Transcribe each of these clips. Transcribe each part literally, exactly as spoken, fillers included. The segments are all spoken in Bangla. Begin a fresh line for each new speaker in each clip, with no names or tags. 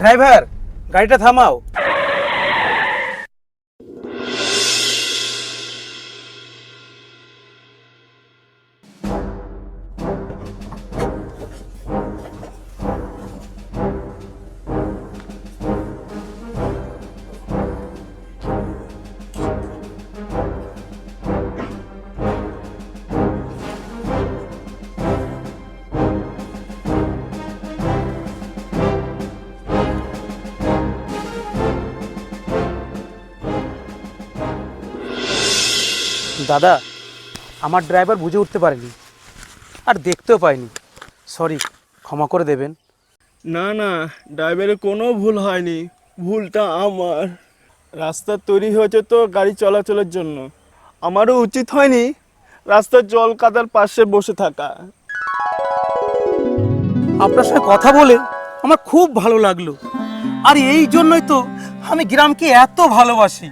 ড্রাইভার, গাড়িটা থামাও। দাদা, আমার ড্রাইভার বুঝে উঠতে পারেনি, আর দেখতেও পাইনি। সরি, ক্ষমা করে দেবেন।
না না, ড্রাইভারের কোনো ভুল হয়নি, ভুলটা আমার। রাস্তা তৈরি হয়েছে তো গাড়ি চলাচলের জন্য, আমারও উচিত হয়নি রাস্তার জল কাদার পাশে বসে থাকা।
আপনার সাথে কথা বলে আমার খুব ভালো লাগলো, আর এই জন্যই তো আমি গ্রামকে এত ভালোবাসি।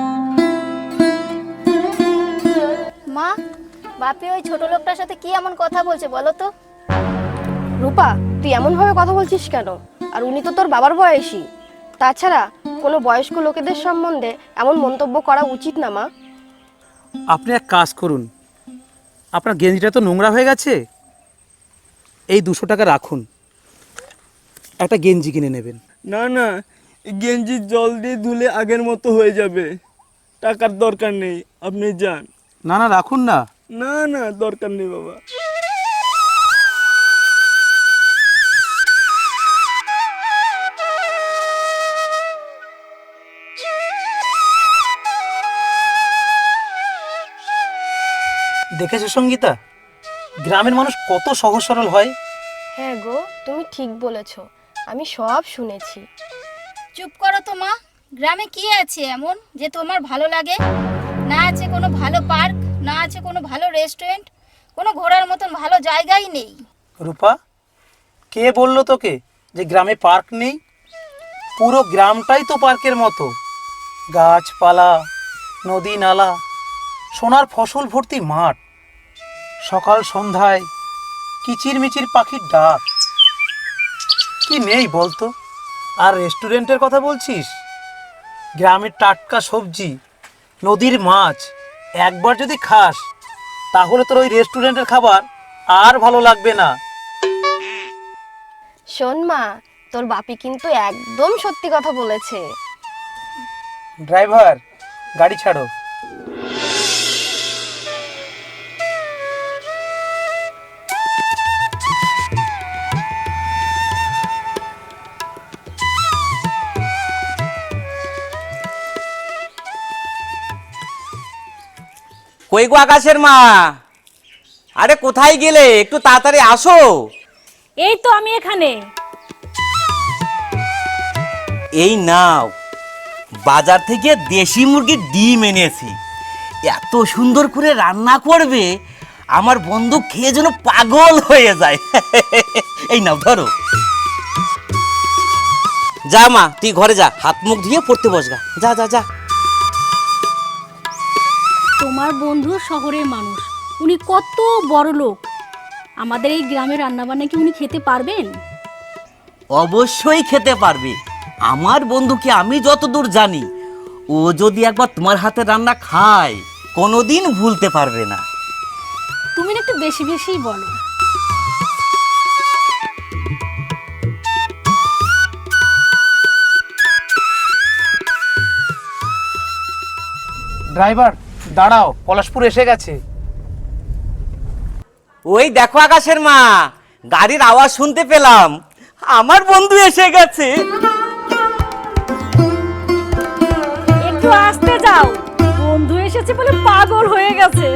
মা, বাপি ওই ছোট লোকটার সাথে কি এমন কথা বলছে বলো তো?
রূপা, তুই এমন ভাবে কথা বলছিস কেন? আর উনি তো তোর বাবার বয়সী। তাছাড়া কোনো বয়স্ক লোকেদের সম্বন্ধে এমন মন্তব্য করা উচিত না মা।
আপনি এক কাজ করুন, আপনার গেঞ্জিটা তো নোংরা হয়ে গেছে, এই দুশো টাকা রাখুন, একটা গেঞ্জি কিনে নেবেন।
না না, এই গেঞ্জির জল দিয়ে ধুলে আগের মতো হয়ে যাবে, টাকার দরকার নেই, আপনি যান।
না না, রাখুন না।
না না, দরকার নেই বাবা।
দেখেছো সঙ্গীতা, গ্রামের মানুষ কত সহজ সরল হয়।
হ্যাঁ গো, তুমি ঠিক বলেছো, আমি সব শুনেছি।
চুপ করো তো মা, গ্রামে কি আছে এমন যে তোমার ভালো লাগে? না আছে কোনো ভালো পার্ক, না আছে কোনো ভালো রেস্টুরেন্ট, কোনো ঘোরার মতন ভালো জায়গাই নেই।
রূপা, কে বললো তোকে যে গ্রামে পার্ক নেই? পুরো গ্রামটাই তো পার্কের মতো, গাছপালা, নদী নালা, সোনার ফসল ভর্তি মাঠ, সকাল সন্ধ্যায় কিচিরমিচির পাখির ডাক, কি নেই বলতো? আর রেস্টুরেন্টের কথা বলছিস? গ্রামের টাটকা সবজি, নদীর মাছ একবার যদি খাস তাহলে তোর ওই রেস্টুরেন্টের খাবার আর ভালো লাগবে না।
শোন মা, তোর বাপি কিন্তু একদম সত্যি কথা বলেছে।
ড্রাইভার, গাড়ি ছাড়ো।
কই গো আকাশের মা, আরে কোথায় গেলে? একটু তাড়াতাড়ি আসো।
এই তো আমি এখানে।
এই নাও, বাজার থেকে দেশি মুরগির ডিম এনেছি, এত সুন্দর করে রান্না করবে আমার বন্ধু খেয়ে যেন পাগল হয়ে যায়। এই নাও ধরো। যা মা, তুই ঘরে যা, হাত মুখ ধুয়ে পড়তে বসগা, যা যা যা।
তোমার বন্ধু শহরের মানুষ, উনি কত বড় লোক, আমাদের এই গ্রামের রান্নাবান্না কি উনি খেতে পারবেন?
অবশ্যই খেতে পারবে। আমার বন্ধুকে আমি যতদূর জানি, ও যদি একবার তোমার হাতে রান্না খায় কোনোদিন ভুলতে পারবে না।
তুমি না একটু বেশি বেশিই বলো।
ড্রাইভার দাঁড়াও, পলাশপুর এসে গেছে।
ওই দেখো আকাশের মা, গাড়ির আওয়াজ শুনতে পেলাম, আমার বন্ধু এসে গেছে।
একটু আসতে যাও, বন্ধু এসেছে বলে পাগল হয়ে গেছে।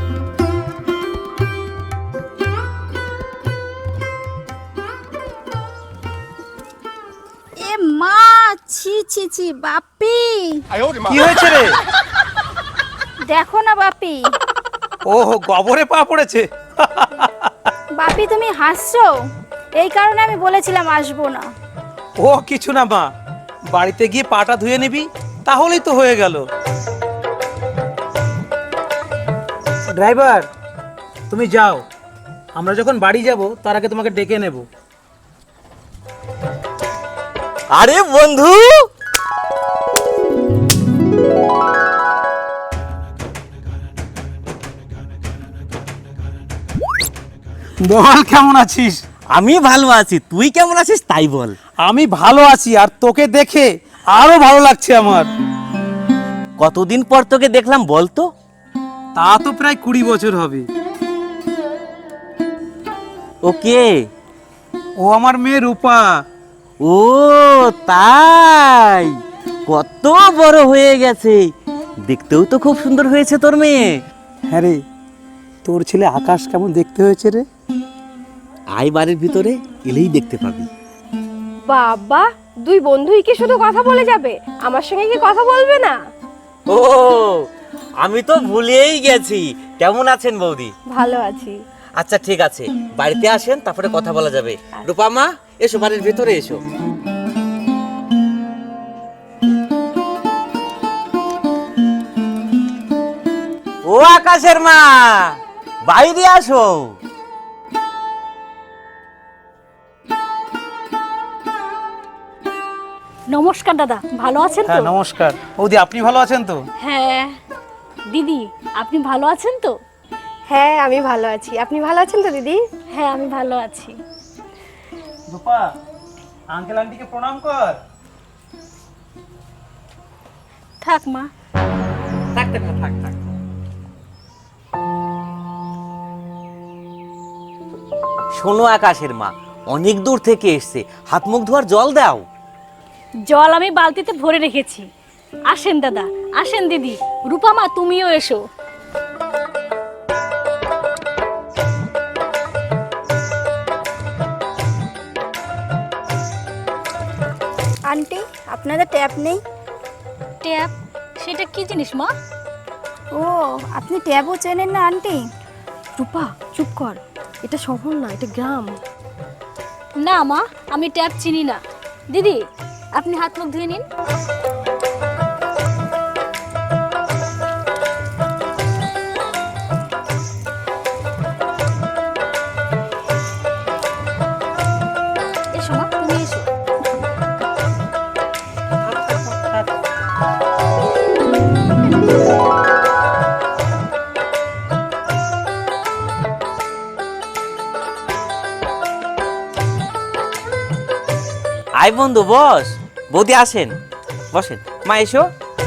এ মা, ছি ছি ছি, বাপি
কি হয়েছে রে?
দেখো না বাপি।
ও গোবরে পা পড়েছে।
বাপি তুমি হাসছো, এই কারণে আমি বলেছিলাম আসবো না।
ও কিছু না মা, বাড়িতে গিয়ে পাটা ধুয়ে নিবি, তাহলেই তো হয়ে গেল। ড্রাইভার, তুমি যাও, আমরা যখন বাড়ি যাব তার আগে তোমাকে ডেকে নেব।
আরে বন্ধু,
বল কেমন আছিস?
আমি ভালো আছি, তুই কেমন আছিস তাই বল।
আমি ভালো আছি, আর তোকে দেখে আরো ভালো লাগছে আমার।
কতদিন পর তোকে দেখলাম বলতো?
তা তো প্রায় কুড়ি বছর হবে।
ওকে,
ও আমার মেয়ে রূপা।
ও তাই, কত বড় হয়ে গেছে, দেখতেও তো খুব সুন্দর হয়েছে তোর মেয়ে।
হ্যাঁ রে, তোর ছেলে আকাশ কেমন দেখতে হয়েছে রে?
আয় বাড়ির ভিতরে, এলেই দেখতে পাবি।
বাবা, দুই বন্ধুই কি শুধু কথা বলে যাবে? আমার সঙ্গে কি কথা বলবে না?
ও, আমি তো ভুলেই গেছি। কেমন আছেন বৌদি?
ভালো আছি।
আচ্ছা ঠিক আছে, বাড়িতে আসেন, তারপরে কথা বলা যাবে। রূপা মা, এসো বাড়ির ভিতরে এসো। ও আকাশের মা, বাইরে আসো।
নমস্কার দাদা, ভালো আছেন তো?
হ্যাঁ নমস্কার বৌদি, আপনি ভালো আছেন তো?
হ্যাঁ। দিদি, আপনি ভালো আছেন তো?
হ্যাঁ, আমি ভালো আছি। আপনি ভালো আছেন তো দিদি?
হ্যাঁ, আমি ভালো আছি।
রূপা, আঙ্কেল আন্টিকে প্রণাম কর।
থাক মা।
থাক থাক থাক থাক। শোনো আকাশের মা, অনেক দূর থেকে এসছে, হাত মুখ ধোয়ার জল দাও।
জল আমি বালতিতে ভরে রেখেছি। আসেন দাদা, আসেন দিদি। রূপা মা, তুমিও এসো।
আন্টি, আপনাদের ট্যাপ নেই?
ট্যাপ? সেটা কি জিনিস মা?
ও, আপনি ট্যাপও চেনেন না আন্টি?
রূপা, চুপ কর। এটা শহর না, এটা গ্রাম।
না মা, আমি ট্যাপ চিনি না। দিদি, আপনি হাত মুখ ধুয়ে নিন। এসো মা, তুমি এসো।
আয় বন্ধু, বস। বৌদি আসেন, বসেন। মা এসো।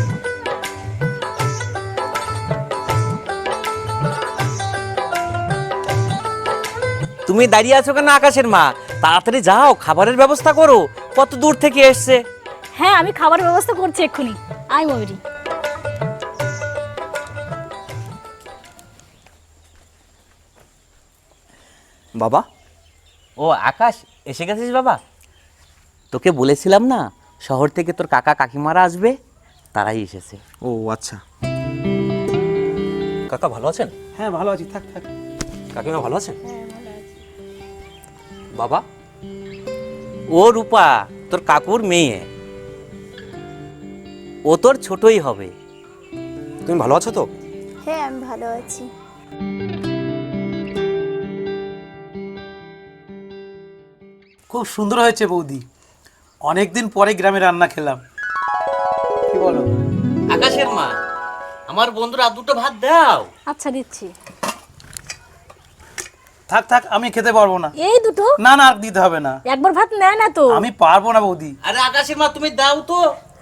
তুমি দাঁড়িয়ে আছো কেন আকাশের মা? তাড়াতাড়ি যাও, খাবারের ব্যবস্থা করো, কত দূর থেকে এসছে।
হ্যাঁ, আমি খাবার ব্যবস্থা করছি এক্ষুনি। আয় ময়ূরী।
বাবা, ও আকাশ, এসে গেছিস বাবা? তোকে বলেছিলাম না, শহর থেকে তোর কাকা কাকিমারা আসবে, তারাই এসেছে।
ও আচ্ছা। কাকা ভালো আছেন?
হ্যাঁ ভালো আছি, থাক থাক।
কাকিমা ভালো আছেন? বাবা,
ও রূপা, তোর কাকুর মেয়ে, ও তোর ছোটই হবে।
তুমি ভালো আছো তো?
হ্যাঁ, আমি ভালো আছি।
খুব সুন্দর হয়েছে বৌদি, অনেকদিন পরে গ্রামে রান্না খেলাম। কি বলো?
আকাশের মা, আমার বন্ধুরা দুটো ভাত দাও।
আচ্ছা, দিচ্ছি।
থাক থাক, আমি খেতে পারবো না।
এই দুটো?
না না, আর দিতে হবে না,
একবার ভাত নেয় না তো?
আমি পারবো না বৌদি।
আরে আকাশের মা, তুমি দাও তো।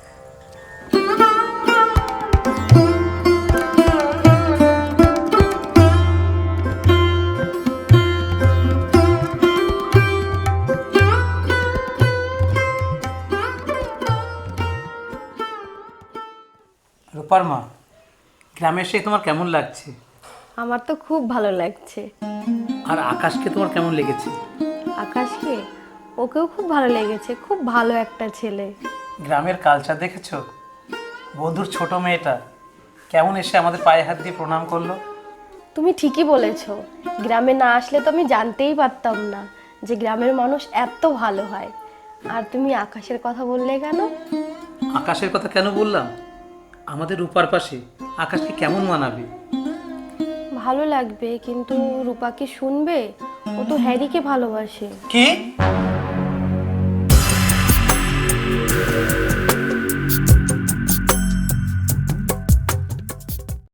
রূপার মা, গ্রামে এসে তোমার কেমন লাগছে?
আমার তো খুব ভালো লাগছে।
আর আকাশকে তোমার কেমন লেগেছে?
আকাশকে, ওকেও খুব ভালো লেগেছে। খুব ভালো একটা ছেলে।
গ্রামের কালচার দেখেছো? বন্ধুর ছোট মেয়েটা কেমন এসে আমাদের পায়ে হাত দিয়ে প্রণাম করলো।
তুমি ঠিকই বলেছো। গ্রামে না আসলে তো আমি জানতেই পারতাম না যে গ্রামের মানুষ এত ভালো হয়। আর তুমি আকাশের কথা বললে কেন?
আকাশের কথা কেন বললাম? আমাদের রূপার পাশে আকাশকে কেমন মানাবে?
ভালো লাগবে, কিন্তু রূপা কি শুনবে? ও তো হ্যারিকে ভালোবাসে।
কি?
না।